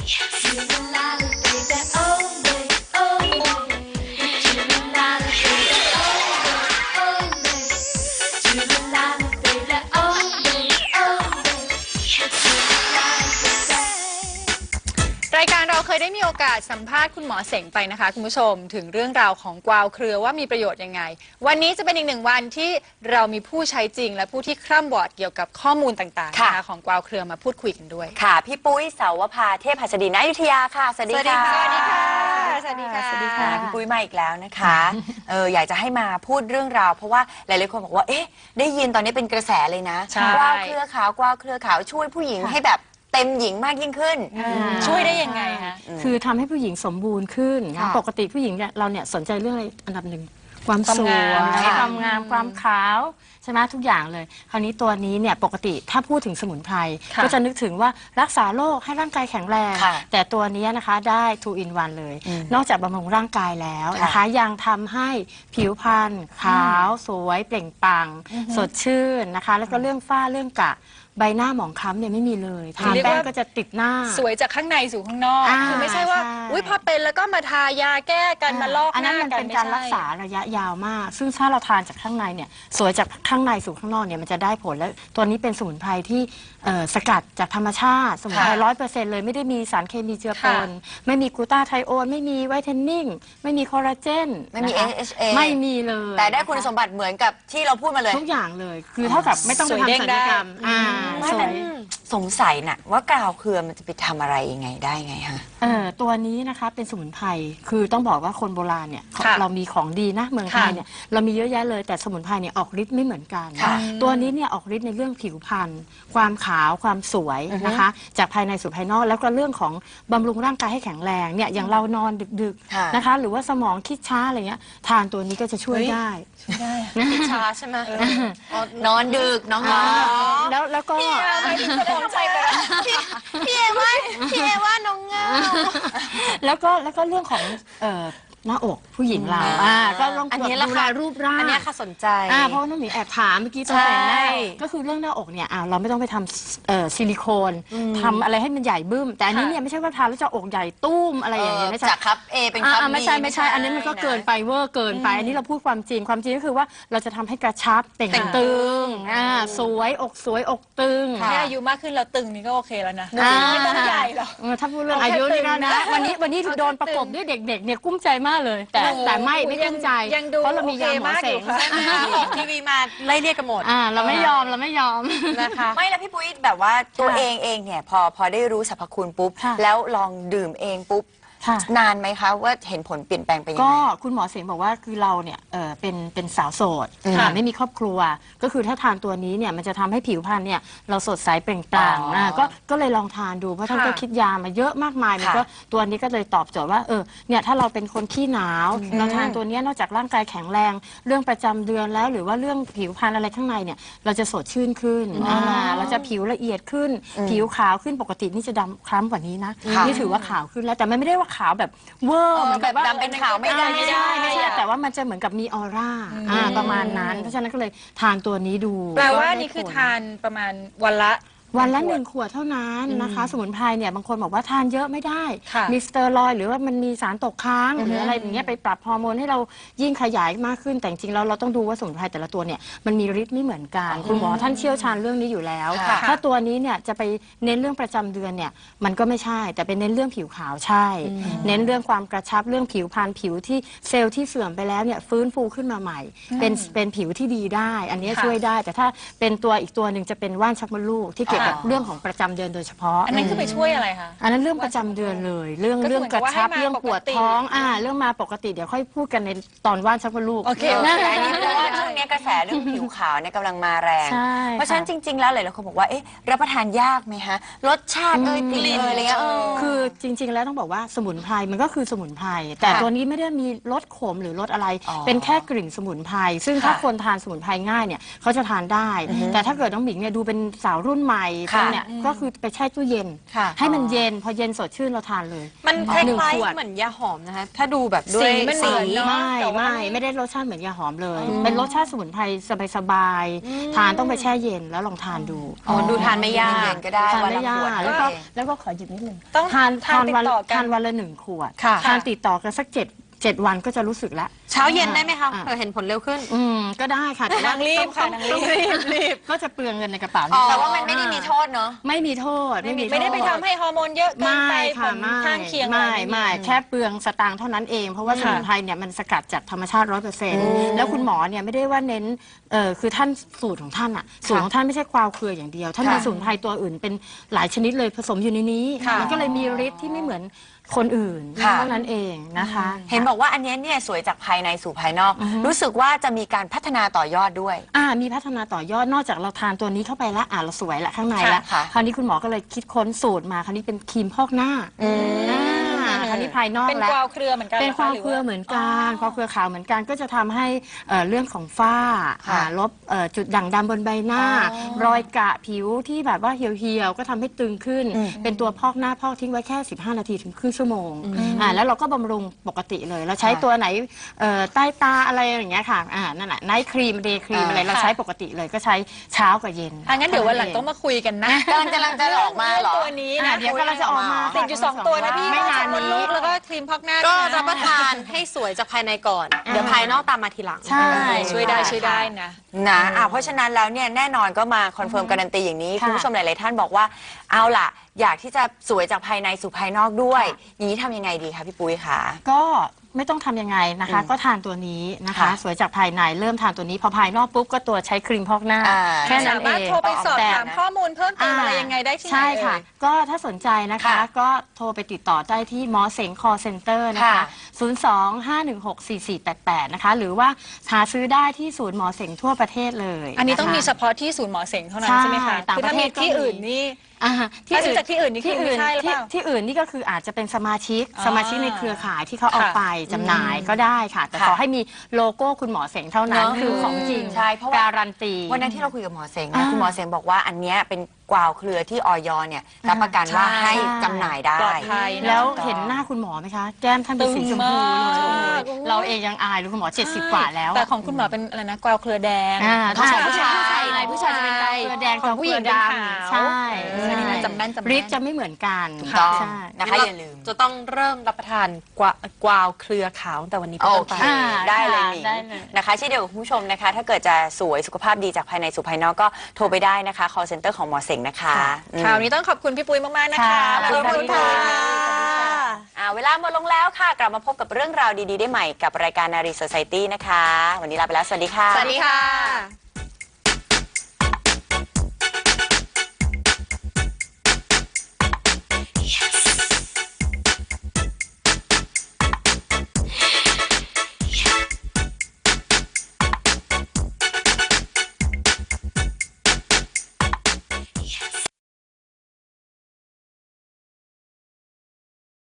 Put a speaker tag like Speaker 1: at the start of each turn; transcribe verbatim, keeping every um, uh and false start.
Speaker 1: รายการเราเคยได้มีโอกาสสัมภาษณ์คุณหมอเสงไปนะคะคุณผู้ชมถึงเรื่องราวของกวาวเครือว่ามีประโยชน์ยังไงวันนี้จะเป็นอีกหนึ่งวันที่เรามีผู้ใช้จริงและผู้ที่คร่ำวอดเกี่ยวกับข้อมูลต่างๆนะคะของกวาวเครือมาพูดคุยกันด้วย
Speaker 2: ค่ะพี่ปุ้ยเสาวภาเทพหัสดินอยุธยาค่ะสวัสดีค่ะ
Speaker 1: สวัสดีค่ะสวัสดีค่ะ
Speaker 2: สวัสดีค่ะพี่ปุ้ยมาอีกแล้วนะคะเอออยากจะให้มาพูดเรื่องราวเพราะว่าหลายๆคนบอกว่าเอ๊ะได้ยินตอนนี้เป็นกระแสเลยนะกวาวเครือขาวกวาวเครือขาวช่วยผู้หญิงให้แบบเต็มหญิงมากยิ่งขึ้น
Speaker 1: ช่วยได้ยังไงคะ
Speaker 3: คือทำให้ผู้หญิงสมบูรณ์ขึ้นนะปกติผู้หญิงเนี่ยเราเนี่ยสนใจเรื่องอะไรอันดับหนึ่งความสวยความงามความขาวใช่ไหมทุกอย่างเลยคราวนี้ตัวนี้เนี่ยปกติถ้าพูดถึงสมุนไพรก็จะนึกถึงว่ารักษาโรคให้ร่างกายแข็งแรงแต่ตัวนี้นะคะได้ two in one เลยนอกจากบำรุงร่างกายแล้วนะคะยังทำให้ผิวพรรณขาวสวยเปล่งปลั่งสดชื่นนะคะแล้วก็เรื่องฝ้าเรื่องกระใบหน้าหมองคล้ำเนี่ยไม่มีเลยทาแป้งก็จะติดหน้า
Speaker 1: สวยจากข้างในสู่ข้างนอกคือไม่ใช่ว่าอุ้ยพอเป็นแล้วก็มาทายาแก้กันมาลอกหน้ากันอันนั้นมัน
Speaker 3: เป็นการรักษาระยะยาวมากซึ่งถ้าเราทานจากข้างในเนี่ยสวยจากข้างในสู่ข้างนอกเนี่ยมันจะได้ผลและตัวนี้เป็นสมุนไพรที่สกัดจากธรรมชาติสมุนไพรร้อยเปอร์เซ็นต์เลยไม่ได้มีสารเคมีเจือปนไม่มีกลูตาไทโอนไม่มีไวท์เทนนิ่งไม่มีคอลลาเจน
Speaker 2: ไม่มี เอ เอช เอ
Speaker 3: ไม่มีเลย
Speaker 2: แต่ได้คุณสมบัติเหมือนกับที่เราพูดมาเลย
Speaker 3: ทุกอย่างเลยคือเท่ากับไม่ต้องไปทำศัลยกรรม
Speaker 2: สวยสงสัยน่ะว่ากาวเครือมันจะไปทำอะไรยังไงได้ไงฮะ
Speaker 3: เออตัวนี้นะคะเป็นสมุนไพรคือต้องบอกว่าคนโบราณเนี่ยเรามีของดีนะเมืองไทยเนี่ยเรามีเยอะแยะเลยแต่สมุนไพรเนี่ยออกฤทธิ์ไม่เหมือนกันตัวนี้เนี่ยออกฤทธิ์ในเรื่องผิวพรรณความขาวความสวยนะคะจากภายในสู่ภายนอกแล้วก็เรื่องของบำรุงร่างกายให้แข็งแรงเนี่ยอย่างเรานอนดึกๆนะคะหรือว่าสมองคิดช้าอะไรเงี้ยทานตัวนี้ก็จะช่วยได้
Speaker 1: ได้คิดช้าใช่ไหม
Speaker 2: นอนดึกน้องๆ
Speaker 3: แล้วแล้วก็
Speaker 2: พี่เอว่าพี่เอว่าน้องเงา
Speaker 3: แล้วก็แล้วก็เรื่องของเอ่อหน้าอกผู้หญิงเราอ่าก็ต้องดูแลรูปร่าง
Speaker 2: อันนี้ค่ะสนใจ
Speaker 3: อ่าเพราะน้องหมีแอบถามเมื่อกี้ตอนแต่งหน้าก็คือเรื่องหน้าอกเนี่ยอ่าเราไม่ต้องไปทำเอ่อซิลิโคนทำอะไรให้มันใหญ่บึ้มแต่อันนี้เนี่ยไม่ใช่ว่าทานแล้วจะอกใหญ่ตุ้มอะไรอย่างเงี้ยไม่ใช่
Speaker 2: จากครับเอเป็นครับ
Speaker 3: ไม่ใช่ไม่ใช่อันนี้มันก็เกินไปเวอร์เกินไปอันนี้เราพูดความจริงความจริงก็คือว่าเราจะทำให้กระชับเต่งตึงอ่าสวยอกสวยอกตึง
Speaker 1: แค่อายุมากขึ้นเราตึงนี่ก็โอเคแล้วนะไม่ต้องใหญ่หรอก
Speaker 3: ถ้าพูดเรื่องอายุนี่ก็นะวันนี้วันนี้โดนประกบด้วยเด็กๆเนี่ยกุ้มใจมากเลยแต่แต่ไม่ไม่กุ้มใจเพราะเรามียาหมอเสง
Speaker 2: ทีวีมาไล่เรียกกันหมด
Speaker 3: อ่าเราไม่ยอมเราไม่ยอม
Speaker 2: นะคะไม่แล้วพี่ปุ้ยแบบว่าตัวเองเองเนี่ยพอพอได้รู้สรรพคุณปุ๊บแล้วลองดื่มเองปุ๊บนานไหมคะว่าเห็นผลเปลี่ยนแปลงไปยังไง
Speaker 3: ก็คุณหมอเสงบอกว่าคือเราเนี่ยเออเป็นเป็นสาวโสดไม่มีครอบครัวก็คือถ้าทานตัวนี้เนี่ยมันจะทำให้ผิวพรรณเนี่ยเราสดใสเปล่งปลั่งนะก็ก็เลยลองทานดูเพราะท่านก็คิดยามาเยอะมากมายมันก็ตัวนี้ก็เลยตอบโจทย์ว่าเออเนี่ยถ้าเราเป็นคนขี้หนาวเราทานตัวนี้นอกจากร่างกายแข็งแรงเรื่องประจำเดือนแล้วหรือว่าเรื่องผิวพรรณอะไรข้างในเนี่ยเราจะสดชื่นขึ้นเราจะผิวละเอียดขึ้นผิวขาวขึ้นปกตินี่จะดำคล้ำกว่านี้นะนี่ถือว่าขาวขึ้นแล้วแต่มันไม่ได้ว่าขาวแบบเวอร์
Speaker 2: แบบดำเป็นขาวไม่ได้
Speaker 3: ไม่ได้ไม่ใช่แต่ว่ามันจะเหมือนกับมีออร่าประมาณนั้นเพราะฉะนั้นก็เลยทานตัวนี้ดู
Speaker 1: แปลว่านี่คือทานประมาณวันละ
Speaker 3: วันละหนึ่งขวดเท่านั้นนะคะสมุนไพรเนี่ยบางคนบอกว่าทานเยอะไม่ได้มีสเตียรอยด์หรือว่ามันมีสารตกค้างหรืออะไรอย่างเงี้ยไปปรับฮอร์โมนให้เรายิ่งขยายมากขึ้นแต่จริงๆแล้วเราต้องดูว่าสมุนไพรแต่ละตัวเนี่ยมันมีฤทธิ์ไม่เหมือนกันคุณหมอท่านเชี่ยวชาญเรื่องนี้อยู่แล้วถ้าตัวนี้เนี่ยจะไปเน้นเรื่องประจำเดือนเนี่ยมันก็ไม่ใช่แต่เป็นเน้นเรื่องผิวขาวใช่เน้นเรื่องความกระชับเรื่องผิวพรรณผิวที่เซลล์ที่เสื่อมไปแล้วเนี่ยฟื้นฟูขึ้นมาใหม่เป็นเป็นผิวที่ดีได้อันนี้ช่วยได้แต่ถ้าเป็นตัวอีกตัวหนึ่งจะเป็นว่านชักมดลูกที่เกี่ยวกับเรื่องของประจำเดือนโดยเฉพาะ
Speaker 1: อันนั้นคือไปช่วยอะไรคะ
Speaker 3: อันนั้นเรื่องประจำเดือนเลยเรื่องเรื่องกระชับเรื่องปวดท้องอ่าเรื่องมาปกติเดี๋ยวค่อยพูดกันในตอนว่านชักมดลูก
Speaker 2: โอเคนะอันนี้เพราะว่าช่วงนี้กระแสเรื่องผิวขาวเนี่ยกำลังมาแรงเพราะฉะนั้นจริงๆแล้วหลายๆคนบอกว่าเอ๊ะรับประทานยากไหมฮะรสชาติเอ้ยกลิ่นเอ้ยอะไรเงี้ย
Speaker 3: คือจริงๆแล้วต้องบอกว่าสมุนไพรมันก็คือสมุนไพรแต่ตัวนี้ไม่ได้มีรสขมหรือรสอะไรเป็นแค่กลิ่นสมุนไพรซึ่งถ้าคนทานสมุนไพรง่ายเนี่ยเขาจะทานได้แต่ถ้าเกิดน้องหมิงเนี่ยดูเป็นสาวรุ่นใหม่
Speaker 2: ค่ะ
Speaker 3: พวกเนี่ยก็คือไปแช่ตู้เย็น
Speaker 4: ค่ะ
Speaker 3: ให้มันเย็นพอเย็นสดชื่นเราทานเลย
Speaker 4: มันคล้
Speaker 3: หนึ่ง
Speaker 4: าย
Speaker 3: ขวด
Speaker 4: ๆเหมือนยาหอมนะคะ ถ้าดูแบบด้วย
Speaker 1: สีมันเหมือนเนอะ
Speaker 3: ไม่
Speaker 1: แต่ว่า
Speaker 3: ไม่ไม่ได้รสชาติเหมือนยาหอมเลย เป็นรสชาติสมุนไพรสบายๆทานต้องไปแช่เย็นแล้วลองทานดู
Speaker 4: อ๋อดูทานไม่ยาก
Speaker 2: เย็นๆก็ได้
Speaker 3: ทาน
Speaker 2: วัน
Speaker 3: ไม่
Speaker 2: ละ
Speaker 3: ยา
Speaker 2: ขวด
Speaker 3: ก
Speaker 2: ก็
Speaker 3: แล้วก็
Speaker 2: เอง
Speaker 3: แล้วก็ขอหยิบนิดนึง
Speaker 1: ต้อง
Speaker 3: ทาน
Speaker 1: ทาน
Speaker 3: ทานวัน
Speaker 1: ติดต่อกัน
Speaker 3: ทานวันละหนึ่งขวด
Speaker 4: ค่ะ
Speaker 3: ทานติดต่อกันสักเจ็ดเจ็ดวันก็จะรู้สึกแล้ว
Speaker 4: เช้าเย็นได้ไหมคะ
Speaker 3: อ่า
Speaker 4: เผื่อเห็นผลเร็วขึ้น
Speaker 3: อืมก็ได้ค่ะแต่ว่าน
Speaker 1: างรีบค่ะนางรีบ
Speaker 3: รีบก็จะเปลืองเงินในกระเป๋า
Speaker 4: อ๋อ
Speaker 2: แต่ว่ามันไม่ได้มีโทษเนาะ
Speaker 3: ไม่มีโทษไม่มีโทษ
Speaker 1: ไม่ได้ไปทำให้ฮอร์โมนเยอะเกิน
Speaker 3: ไม่
Speaker 1: ไปผ
Speaker 3: ค่ะ
Speaker 1: ล
Speaker 3: ไม่
Speaker 1: ข้างเคียงอะ
Speaker 3: ไม่
Speaker 1: ไร
Speaker 3: ไม่แค่เปลืองสตางค์เท่านั้นเอง เพราะว่าสมุนไพรเนี่ยมันสกัดจากธรรมชาติร้อยเปอร์เซ็นต์แล้วคุณหมอเนี่ยไม่ได้ว่าเน้นเออคือท่านสูตรของท่านอ่ะสูตรของท่านไม่ใช่กวาวเครืออย่างเดียว ท่านมีสมุนไพรตัวอื่นเป็นหลายชนิดเลยผสมอยู่ในนี้
Speaker 1: ค่ะ
Speaker 3: มันก็เลยมีฤทธิ์ที่ไม่เหมือนคนอื่น
Speaker 2: ค่ะ
Speaker 3: เท่านั้นเองนะคะ
Speaker 2: เห็นบอกว่าอันเนี้ยเนี่ยสวยจากภายในสู่ภายนอก รู้สึกว่าจะมีการพัฒนาต่อยอดด้วย
Speaker 3: อ่ามีพัฒนาต่อยอดนอกจากเราทานตัวนี้เข้าไปแล้วอ่าเราสวยละข้างในแล้ว
Speaker 2: ค่ะ
Speaker 3: คราวนี้คุณหมอก็เลยคิดค้นสูตรมาคราวนี้เป็นครีมพอกหน้าอ่าคราวนี้ภายนอก
Speaker 1: เป็น
Speaker 3: แล้ว
Speaker 1: กวาวเครือเหมือนกัน
Speaker 3: เป็น
Speaker 1: หร
Speaker 3: ความ
Speaker 1: หรื
Speaker 3: เครือเหมือนกันความเครือขาวเหมือนกันก็จะทำให้เอ่อเรื่องของฝ้า
Speaker 2: ค่ะ
Speaker 3: อ่าลบเอ่อจุดด่างดำบนใบหน้า รอยกระผิวที่แบบว่าเหี่ยวๆก็ทำให้ตึงขึ้น เป็นตัวพอกหน้าพอกทิ้งไว้แค่สิบห้านาทีถึงครึ่งชั่วโมงอ่าแล้วเราก็บำรุงปกติเลยเราใช้ตัวไหนเอ่อใต้ตาอะไรอย่างเงี้ยค่ะอ่านั่นแหละไนท์ครีมเดย์ครีมอะไรเราใช้ปกติเลยก็ใช้เช้ากับเย็น
Speaker 1: อ่ะงั้นเดี๋ยววันหลังต้องมาคุยกันนะ
Speaker 2: กำลังกำลังจะออกมาเหรอ
Speaker 1: ตัวนี้
Speaker 3: อ่า
Speaker 1: นะ
Speaker 3: เดี๋ยวกำลังจะออกมา
Speaker 1: ติดอยู่สองตัวนะพี่
Speaker 3: ไม่นาน
Speaker 1: มด
Speaker 3: นี้
Speaker 1: ลูกแล้วก็ครีมพอกหน้า
Speaker 4: ก็
Speaker 1: ด้วยนะ
Speaker 4: รับประทานให้สวยจากภายในก่อน เดี๋ยวภายนอกตามมาทีหลัง
Speaker 3: ใช่
Speaker 1: ช่วยได้ช่วยได้นะ
Speaker 2: นะอ่ะเพราะฉะนั้นแล้วเนี่ยแน่นอนก็มาคอนเฟิร์มการันตีอย่างนี้
Speaker 3: ค่ะ
Speaker 2: คุณผู้ชมหลาย ๆ ท่านบอกว่าเอาล่ะ อยากที่จะสวยจากภายในสู่ภายนอกด้วยอย่างนี้ทำยังไงดีคะพี่ปุ้ยคะ
Speaker 3: ก็ไม่ต้องทำยังไงนะคะ ก็ทานตัวนี้นะคะ
Speaker 2: ค่ะ
Speaker 3: สวยจากภายในเริ่มทานตัวนี้พอภายนอกปุ๊บก็ตัวใช้ครีมพอกหน้า
Speaker 2: อ่า
Speaker 3: แค่นั้น
Speaker 1: สา
Speaker 3: เอ
Speaker 1: มารถ
Speaker 3: ง
Speaker 1: โทรไปสอบ
Speaker 3: แต่
Speaker 1: ถามข้อมูลเพิ่มเติมอะไรยังไงได้ที่ไหน
Speaker 3: ใช่ค่ะ
Speaker 1: เอ่ย
Speaker 3: ก็ถ้าสนใจนะคะ
Speaker 2: ค่ะ
Speaker 3: ก็โทรไปติดต่อได้ที่หมอเสงคอเซ็นเตอร์นะคะ
Speaker 2: ค่ะ
Speaker 3: ศูนย์ สอง ห้า หนึ่ง หก สี่ สี่ แปด แปด นะคะ หรือว่าหาซื้อได้ที่ศูนย์หมอเสงทั่วประเทศเลย
Speaker 1: อันนี้ต้อง
Speaker 3: ะคะ
Speaker 1: มีเฉพาะที่ศูนย์หมอเสงเท่านั้น
Speaker 3: ใช่
Speaker 1: ใช่ไหมคะ
Speaker 3: ต่าง
Speaker 1: คือ
Speaker 3: ประ
Speaker 1: ถ้า
Speaker 3: เท
Speaker 1: มี
Speaker 3: ศก็
Speaker 1: ที่
Speaker 3: มี
Speaker 1: อื่นนี่
Speaker 3: อ่า
Speaker 1: ถ้าซื้อจากที่อื่นนี่คือไม่ใช่หรือเป
Speaker 3: ที่
Speaker 1: ล่า
Speaker 3: ที่อื่นนี่ก็คืออาจจะเป็นสมาชิก
Speaker 1: อ๋อ
Speaker 3: สมาชิกในเครือข่ายที่เขาเอา
Speaker 1: ค่ะ
Speaker 3: ไปจำหน่ายก็ได้ค่ะ แต่
Speaker 2: ค่ะ
Speaker 3: ขอให้มีโลโก้คุณหมอเสงเท่านั้น
Speaker 2: เนอะ
Speaker 3: คือของจริง
Speaker 2: ใช่เพราะว่า
Speaker 3: การันตี
Speaker 2: วันนั้นที่เราคุยกับหมอเสงนะ
Speaker 3: อ่า
Speaker 2: คุณหมอเสงบอกว่าอันเนี้ยเป็นกวาวเครือที่ออยเนี่ยรับประกันว่า
Speaker 1: ใช่
Speaker 2: ให้จำหน่ายได้
Speaker 1: ปลอดภัย
Speaker 3: แล้ว
Speaker 2: ถูกต้อง
Speaker 3: เห็นหน้าคุณหมอไหมคะ แก้มท่านเป็นสีชมพู
Speaker 1: ตึง
Speaker 3: เลย
Speaker 1: มาก
Speaker 3: โอ้โหเราเองยังอายเลยคุณหมอเจ็ดสิบกว่าแล้ว
Speaker 1: แต่ของคุณหมอเป็นอะไรนะกวาวเครือแดง
Speaker 3: อ่า
Speaker 2: ผู้ชาย
Speaker 3: ผู้ชายผู้ชาย
Speaker 1: ผู้ชาย
Speaker 3: จะเป็นกาวเครือแดง
Speaker 1: ของผู้หญิงเป็นขาว
Speaker 3: ใช่
Speaker 1: เออนี่นะจำแม่นจำแม่น
Speaker 3: ฤทธิ์จะไม่เหมือนกัน
Speaker 2: ถูกต้อง
Speaker 3: ใช่
Speaker 2: นะคะอย่าลืม
Speaker 4: จะต้องเริ่มรับประทานกวากวาวเครือขาวตั้งแต่วันนี้เป็น
Speaker 2: โอ
Speaker 4: ต้น
Speaker 2: เค
Speaker 4: ไป
Speaker 3: อ่า
Speaker 2: ได้เลย
Speaker 3: ค่ะ
Speaker 2: หนิง
Speaker 3: ได้เลย
Speaker 2: นะคะเช่นเดียวกับคุณผู้ชมนะคะ ถ้าเกิดจะสวยสุขภาพดีจากภายในสู่ภายนอกก็โทรไปได้นะคะ call center ของหมอเสงนะคะอืม
Speaker 1: คราวนี้ต้องขอบคุณพี่ปุ้ยมาก ๆ นะคะ
Speaker 3: ค่ะ
Speaker 1: ขอบคุณค่ะ
Speaker 2: อ่าเวลาหมดลงแล้วค่ะ กลับมาพบกับเรื่องราวดี ๆ ได้ใหม่กับรายการนารี Society นะคะ วันนี้ลาไปแล้ว สวัสดีค่ะ
Speaker 1: สวัสดีค่ะ